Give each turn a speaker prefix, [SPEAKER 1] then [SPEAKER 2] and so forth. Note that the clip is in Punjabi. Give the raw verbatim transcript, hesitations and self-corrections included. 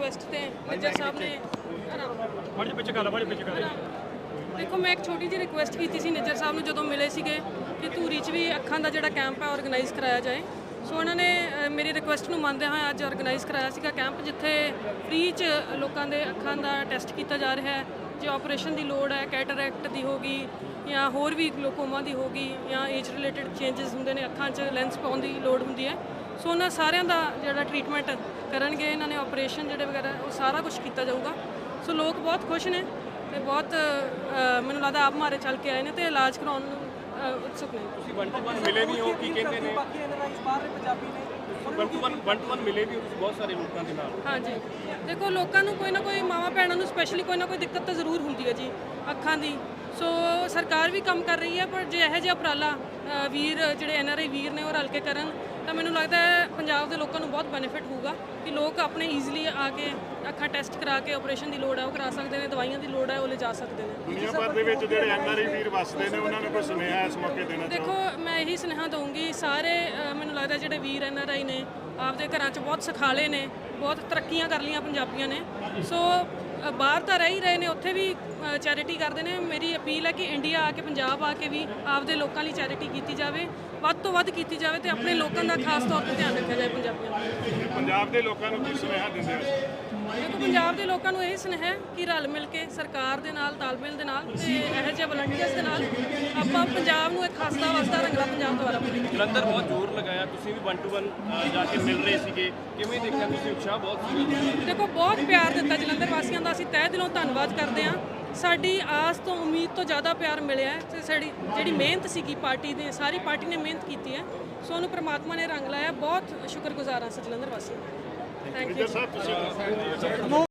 [SPEAKER 1] ਰਿਕੁਐਸਟ ਤੇ ਨਿੱਜਰ ਸਾਹਿਬ ਨੇ
[SPEAKER 2] ਬੜੀ ਪਿੱਛੇ ਗੱਲ ਬੜੀ ਪਿੱਛੇ ਗੱਲ
[SPEAKER 1] ਦੇਖੋ ਮੈਂ ਇੱਕ ਛੋਟੀ ਜਿਹੀ ਰਿਕੁਐਸਟ ਕੀਤੀ ਸੀ ਨਿੱਜਰ ਸਾਹਿਬ ਨੂੰ ਜਦੋਂ ਮਿਲੇ ਸੀਗੇ ਕਿ ਧੂਰੀ 'ਚ ਵੀ ਅੱਖਾਂ ਦਾ ਜਿਹੜਾ ਕੈਂਪ ਹੈ ਆਰਗੇਨਾਈਜ਼ ਕਰਾਇਆ ਜਾਏ। ਸੋ ਉਹਨਾਂ ਨੇ ਅ, ਮੇਰੀ ਰਿਕੁਐਸਟ ਨੂੰ ਮੰਨਦੇ ਹੋਏ ਅੱਜ ਆਰਗੇਨਾਈਜ਼ ਕਰਾਇਆ ਸੀਗਾ ਕੈਂਪ, ਜਿੱਥੇ ਫ੍ਰੀ 'ਚ ਲੋਕਾਂ ਦੇ ਅੱਖਾਂ ਦਾ ਟੈਸਟ ਕੀਤਾ ਜਾ ਰਿਹਾ ਹੈ। ਜੇ ਆਪਰੇਸ਼ਨ ਦੀ ਲੋੜ ਹੈ, ਕੈਟਰੈਕਟ ਦੀ ਹੋਗੀ ਜਾਂ ਹੋਰ ਵੀ ਗਲੋਕੋਮਾ ਦੀ ਹੋਗੀ ਜਾਂ ਏਜ ਰਿਲੇਟਡ ਚੇਂਜਸ ਹੁੰਦੇ ਨੇ, ਅੱਖਾਂ 'ਚ ਲੈਂਸ ਪਾਉਣ ਦੀ ਲੋੜ ਹੁੰਦੀ ਹੈ। ਸੋ ਉਹਨਾਂ ਸਾਰਿਆਂ ਦਾ ਜਿਹੜਾ ਟ੍ਰੀਟਮੈਂਟ ਕਰਨਗੇ ਇਹਨਾਂ ਨੇ, ਆਪਰੇਸ਼ਨ ਜਿਹੜੇ ਵਗੈਰਾ ਉਹ ਸਾਰਾ ਕੁਝ ਕੀਤਾ ਜਾਊਗਾ। ਸੋ ਲੋਕ ਬਹੁਤ ਖੁਸ਼ ਨੇ ਤੇ ਬਹੁਤ ਅ, ਮੈਨੂੰ ਲੱਗਦਾ ਆਪ ਮਾਰੇ ਚੱਲ ਕੇ ਆਏ ਨੇ ਤੇ ਇਲਾਜ ਕਰਾਉਣ ਨੂੰ ਅ, ਉਤਸੁਕ ਨੇ।
[SPEAKER 2] ਤੁਸੀਂ ਵਨ ਟੂ ਵਨ ਮਿਲੇ ਵੀ ਹੋ, ਕੀ ਕਹਿੰਦੇ ਨੇ
[SPEAKER 3] ਬਾਕੀ ਐਨਆਰਆਈਜ਼ ਬਾਹਰ ਦੇ ਪੰਜਾਬੀ ਨੇ
[SPEAKER 2] one two one one two one ਮਿਲੇ ਵੀ ਹੋ ਤੁਸੀਂ ਬਹੁਤ ਸਾਰੇ ਲੋਕਾਂ ਦੇ ਨਾਲ?
[SPEAKER 1] ਹਾਂਜੀ, ਦੇਖੋ ਲੋਕਾਂ ਨੂੰ ਕੋਈ ਨਾ ਕੋਈ, ਮਾਵਾਂ ਭੈਣਾਂ ਨੂੰ ਸਪੈਸ਼ਲੀ ਕੋਈ ਨਾ ਕੋਈ ਦਿੱਕਤ ਤਾਂ ਜ਼ਰੂਰ ਹੁੰਦੀ ਹੈ ਜੀ ਅੱਖਾਂ ਦੀ। ਸੋ ਸਰਕਾਰ ਵੀ ਕੰਮ ਕਰ ਰਹੀ ਹੈ, ਪਰ ਜੇ ਇਹੋ ਜਿਹਾ ਉਪਰਾਲਾ ਅ, ਵੀਰ ਜਿਹੜੇ ਐਨ ਆਰ ਆਈ ਵੀਰ ਨੇ ਉਹ ਰਲ ਕੇ ਕਰਨ ਤਾਂ ਮੈਨੂੰ ਲੱਗਦਾ ਹੈ ਪੰਜਾਬ ਦੇ ਲੋਕਾਂ ਨੂੰ ਬਹੁਤ ਬੈਨੀਫਿਟ ਹੋਊਗਾ ਕਿ ਲੋਕ ਆਪਣੇ ਈਜ਼ੀਲੀ ਆ ਕੇ ਅੱਖਾਂ ਟੈਸਟ ਕਰਾ ਕੇ ਆਪਰੇਸ਼ਨ ਦੀ ਲੋੜ ਹੈ ਉਹ ਕਰਾ ਸਕਦੇ ਨੇ, ਦਵਾਈਆਂ ਦੀ ਲੋੜ ਹੈ ਉਹ ਲਿਜਾ ਸਕਦੇ ਨੇ।
[SPEAKER 4] ਦੁਨੀਆ ਭਰ ਦੇ ਵਿੱਚ ਜਿਹੜੇ ਐਨ ਆਰ ਆਈ ਵੀਰ ਵਸਦੇ ਨੇ ਉਹਨਾਂ ਨੂੰ ਕੋਈ ਸੁਨੇਹਾ ਇਸ ਮੌਕੇ ਦੇਣਾ
[SPEAKER 1] ਦੇਖੋ ਮੈਂ ਇਹੀ ਸੁਨੇਹਾ ਦਊਂਗੀ ਸਾਰੇ ਅ, ਮੈਨੂੰ ਲੱਗਦਾ ਜਿਹੜੇ ਵੀਰ ਐਨ ਆਰ ਆਈ ਨੇ ਆਪਦੇ ਘਰਾਂ 'ਚ ਬਹੁਤ ਸਿਖਾਲੇ ਨੇ, ਬਹੁਤ ਤਰੱਕੀਆਂ ਕਰ ਲਈਆਂ ਪੰਜਾਬੀਆਂ ਨੇ। ਸੋ ਅ, ਬਾਹਰ ਤਾਂ ਰਹਿ ਹੀ ਰਹੇ ਨੇ, ਉੱਥੇ ਵੀ ਚੈਰਿਟੀ ਕਰਦੇ ਨੇ। ਮੇਰੀ ਅਪੀਲ ਹੈ ਕਿ ਇੰਡੀਆ ਆ ਕੇ, ਪੰਜਾਬ ਆ ਕੇ ਵੀ ਆਪਦੇ ਲੋਕਾਂ ਲਈ ਚੈਰਿਟੀ ਕੀਤੀ ਜਾਵੇ, ਵੱਧ ਤੋਂ ਵੱਧ ਕੀਤੀ ਜਾਵੇ ਤੇ ਆਪਣੇ ਲੋਕਾਂ ਦਾ ਖਾਸ ਤੌਰ ਤੇ ਧਿਆਨ ਰੱਖਿਆ ਜਾਏ ਪੰਜਾਬੀਆਂ ਦਾ।
[SPEAKER 4] ਪੰਜਾਬ ਦੇ ਲੋਕਾਂ ਨੂੰ ਕੀ ਸੁਨੇਹਾ ਦਿੰਦੇ ਹੋ?
[SPEAKER 1] ਦੇਖੋ ਪੰਜਾਬ ਦੇ ਲੋਕਾਂ ਨੂੰ ਇਹ ਸੁਨੇਹਾ ਹੈ ਕਿ ਰਲ ਮਿਲ ਕੇ ਸਰਕਾਰ ਦੇ ਨਾਲ, ਤਾਲਮੇਲ ਦੇ ਨਾਲ ਤੇ ਇਹੋ ਜਿਹੇ ਵਲੰਟੀਅਰਸ ਦੇ ਨਾਲ ਆਪਾਂ ਪੰਜਾਬ ਨੂੰ ਇੱਕ ਹੱਸਦਾ ਵਸਦਾ ਰੰਗਲਾ ਪੰਜਾਬ ਦੁਆਰਾ ਬਣਾਈਏ।
[SPEAKER 2] ਜਲੰਧਰ ਬਹੁਤ ਜ਼ੋਰ ਲਗਾਇਆ, ਤੁਸੀਂ ਵੀ ਵਨ ਟੂ ਵਨ ਜਾ ਕੇ ਮਿਲ ਰਹੇ ਸੀਗੇ, ਕਿਵੇਂ ਦੇਖਿਆ ਤੁਸੀਂ? ਉਤਸ਼ਾਹ ਬਹੁਤ ਸੀਗਾ।
[SPEAKER 1] ਦੇਖੋ ਬਹੁਤ ਪਿਆਰ ਦਿੱਤਾ ਜਲੰਧਰ ਵਾਸੀਆਂ ਦਾ, ਅਸੀਂ ਤਹਿ ਦਿਲੋਂ ਧੰਨਵਾਦ ਕਰਦੇ ਹਾਂ। ਸਾਡੀ ਆਸ ਤੋਂ, ਉਮੀਦ ਤੋਂ ਜ਼ਿਆਦਾ ਪਿਆਰ ਮਿਲਿਆ ਹੈ ਤੇ ਸਾਡੀ ਜਿਹੜੀ ਮਿਹਨਤ ਸੀਗੀ ਪਾਰਟੀ ਨੇ, ਸਾਰੀ ਪਾਰਟੀ ਨੇ ਮਿਹਨਤ ਕੀਤੀ ਹੈ। ਸੋ ਉਹਨੂੰ ਪ੍ਰਮਾਤਮਾ ਨੇ ਰੰਗ ਲਾਇਆ। ਬਹੁਤ ਸ਼ੁਕਰਗੁਜ਼ਾਰ ਹਾਂ ਅਸੀਂ ਜਲੰਧਰ ਵਾਸੀਆਂ ਦਾ। Thank you.
[SPEAKER 4] ਸਾਹਿਬ ਤੁਸੀਂ